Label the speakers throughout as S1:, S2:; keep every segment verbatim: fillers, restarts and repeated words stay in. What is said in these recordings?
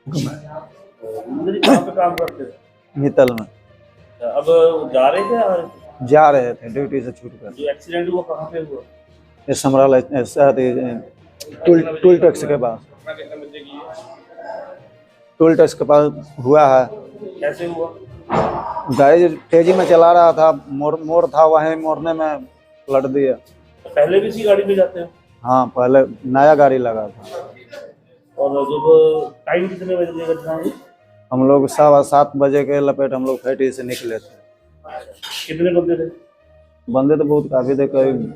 S1: मतलब कहाँ पे काम करते थे?
S2: मित्तल में
S1: अब जा रहे थे और
S2: जा रहे थे ड्यूटी से छूट कर।
S1: जो एक्सीडेंट हुआ कहाँ पे हुआ?
S2: ये समराला टूल टूल टैक्स के पास, टूल टैक्स के पास हुआ है।
S1: कैसे हुआ?
S2: गाड़ी तेजी में चला रहा था, मोड़ मोड़ था, वहीं मोड़ने में पलट दिया।
S1: पहले भी इसी गाड़ी में जाते हैं?
S2: हाँ, पहले नया गाड़ी लगा था।
S1: और जब टाइम कितने बजे की घटना हुई?
S2: हम लोग सवा सात बजे के लपेट हम लोग फैक्ट्री से निकले थे।
S1: कितने बंदे थे?
S2: बंदे तो बहुत काफी थे, करीब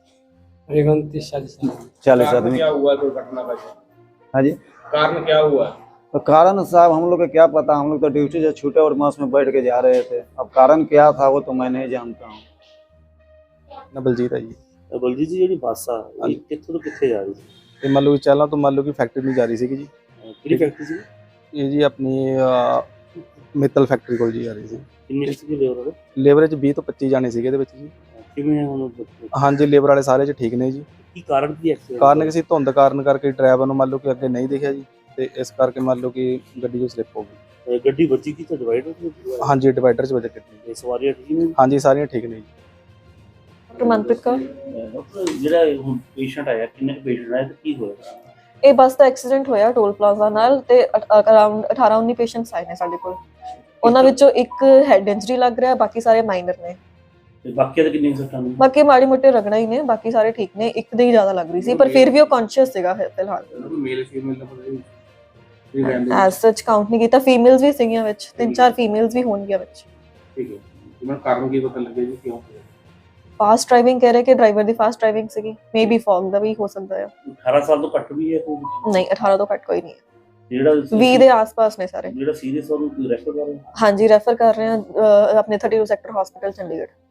S2: चालीस आदमी।
S1: क्या हुआ दुर्घटना का?
S2: हाँ जी,
S1: कारण क्या हुआ?
S2: तो कारण साहब हम लोग को क्या पता, हम लोग तो ड्यूटी से छूटे और बस में बैठ के जा रहे थे। अब कारण क्या था वो तो मैं नहीं जानता हूँ।
S3: ਨਾ ਬਲਜੀਤ ਹੈ ਜੀ।
S1: ਬਲਜੀਤ ਜੀ ਜਿਹੜੀ ਬੱਸ ਆ ਇਹ ਕਿੱਥੋਂ ਤੋਂ ਕਿੱਥੇ ਜਾ ਰਹੀ ਸੀ?
S3: ਇਹ ਮੰਨ ਲਓ ਚੱਲਾਂ ਤੋਂ ਮੰਨ ਲਓ ਕਿ ਫੈਕਟਰੀ ਨੂੰ ਜਾ ਰਹੀ ਸੀਗੀ ਜੀ।
S1: ਕਿਹੜੀ ਫੈਕਟਰੀ ਸੀ?
S3: ਇਹ ਜੀ ਆਪਣੀ ਮਿੱਤਲ ਫੈਕਟਰੀ ਕੋਲ ਜੀ ਆ ਰਹੀ ਸੀ।
S1: ਕਿੰਨੀ ਸੀ ਲੇਬਰ?
S3: ਲੇਬਰ 'ਚ ਵੀਹ ਤੋਂ ਪੱਚੀ ਜਾਣੇ ਸੀਗੇ ਇਹਦੇ ਵਿੱਚ ਜੀ।
S1: ਕਿਵੇਂ ਹੁਣ?
S3: ਹਾਂਜੀ, ਲੇਬਰ ਵਾਲੇ ਸਾਰੇ 'ਚ ਠੀਕ ਨੇ ਜੀ।
S1: ਕੀ ਕਾਰਨ ਕੀ ਐਕਸੀਡੈਂਟ?
S3: ਕਾਰਨ ਕਿਸੇ ਧੁੰਦ ਕਾਰਨ ਕਰਕੇ ਡਰਾਈਵਰ ਨੂੰ ਮੰਨ ਲਓ ਕਿ ਅੱਗੇ ਨਹੀਂ ਦਿਖਿਆ ਜੀ, ਤੇ ਇਸ ਕਰਕੇ ਮੰਨ ਲਓ ਕਿ ਗੱਡੀ ਜੋ ਸਲਿੱਪ ਹੋ ਗਈ।
S1: ਗੱਡੀ ਵੱਜੀ ਕਿੱਥੇ? ਡਿਵਾਈਡਰ ਤੇ?
S3: ਹਾਂਜੀ, ਡਿਵਾਈਡਰ 'ਚ ਵੱਜ ਗੱਡੀ।
S1: ਇਹ ਸਵਾਰੀਆਂ ਠੀਕ ਨੇ?
S3: ਹਾਂਜੀ, ਸਾਰੀਆਂ ਠੀਕ ਨੇ ਜੀ।
S4: ਡਾਕਟਰ ਮਨਪ੍ਰੀਤ ਕੌਰ।
S1: ਡਾਕਟਰ ਜਿਹੜਾ ਹੁਣ ਪੇਸ਼ੈਂਟ ਆਇਆ, ਕਿੰਨੇ ਪੇਸ਼ੈਂਟ ਆਏ ਤੇ ਕੀ ਹੋਇਆ?
S4: ਇਹ ਬੱਸ ਦਾ ਐਕਸੀਡੈਂਟ ਹੋਇਆ ਟੋਲ ਪਲਾਜ਼ਾ ਨਾਲ, ਤੇ ਅਰਾਊਂਡ ਅਠਾਰਾਂ ਉੱਨੀ ਪੇਸ਼ੈਂਟਸ ਆਏ ਨੇ ਸਾਡੇ ਕੋਲ। ਉਹਨਾਂ ਵਿੱਚੋਂ ਇੱਕ ਹੈਡ ਇੰਜਰੀ ਲੱਗ ਰਿਹਾ, ਬਾਕੀ ਸਾਰੇ ਮਾਈਨਰ ਨੇ।
S1: ਤੇ ਬਾਕੀ ਦੇ ਕਿੰਨੇ ਸੱਟਾਂ ਨੇ?
S4: ਬਾਕੀ ਮਾੜੀ ਮੋਟੇ ਰਗੜਾ ਹੀ ਨੇ, ਬਾਕੀ ਸਾਰੇ ਠੀਕ ਨੇ। ਇੱਕ ਦੇ ਹੀ ਜ਼ਿਆਦਾ ਲੱਗ ਰਹੀ ਸੀ, ਪਰ ਫਿਰ ਵੀ ਉਹ ਕੌਨਸ਼ੀਅਸ ਸੀਗਾ ਫਿਲਹਾਲ।
S1: ਮੇਲ ਫੀਮੇਲ ਦਾ ਪਤਾ ਨਹੀਂ
S4: ਐਸ ਸੱਚ ਕਾਊਂਟ ਨਹੀਂ ਕੀਤਾ। ਫੀਮੇਲਸ ਵੀ ਸੀਗੀਆਂ ਵਿੱਚ, ਤਿੰਨ ਚਾਰ ਫੀਮੇਲਸ ਵੀ ਹੋਣਗੀਆਂ ਵਿੱਚ।
S1: ਠੀਕ ਹੈ। ਇਹਨਾਂ ਕਾਰਨ ਕੀ ਪਤਾ ਲੱਗਿਆ ਜੀ ਕਿਉਂ ਹੋਇਆ?
S4: ਫਾਸਟ ਡਰਾਈਵਿੰਗ ਕਹਿ ਰਹੇ ਕਿ ਡਰਾਈਵਰ ਦੀ ਫਾਸਟ ਡਰਾਈਵਿੰਗ ਸੀਗੀ, ਮੇਬੀ ਫੌਗ ਦਾ ਵੀ ਹੋ ਸਕਦਾ ਹੈ।
S1: ਅਠਾਰਾਂ ਸਾਲ ਤੋਂ ਘੱਟ ਵੀ ਹੈ ਕੋਈ?
S4: ਨਹੀਂ, ਅਠਾਰਾਂ ਤੋਂ ਘੱਟ ਕੋਈ ਨਹੀਂ ਹੈ।
S1: ਜਿਹੜਾ
S4: ਵੀਹ ਦੇ ਆਸ-ਪਾਸ ਨੇ ਸਾਰੇ।
S1: ਜਿਹੜਾ ਸੀਰੀਅਸ ਉਹਨੂੰ ਰੈਫਰ ਕਰ ਰਹੇ?
S4: ਹਾਂਜੀ, ਰੈਫਰ ਕਰ ਰਹੇ ਹਾਂ ਅਹ, ਆਪਣੇ thirty two sector hospital Chandigarh.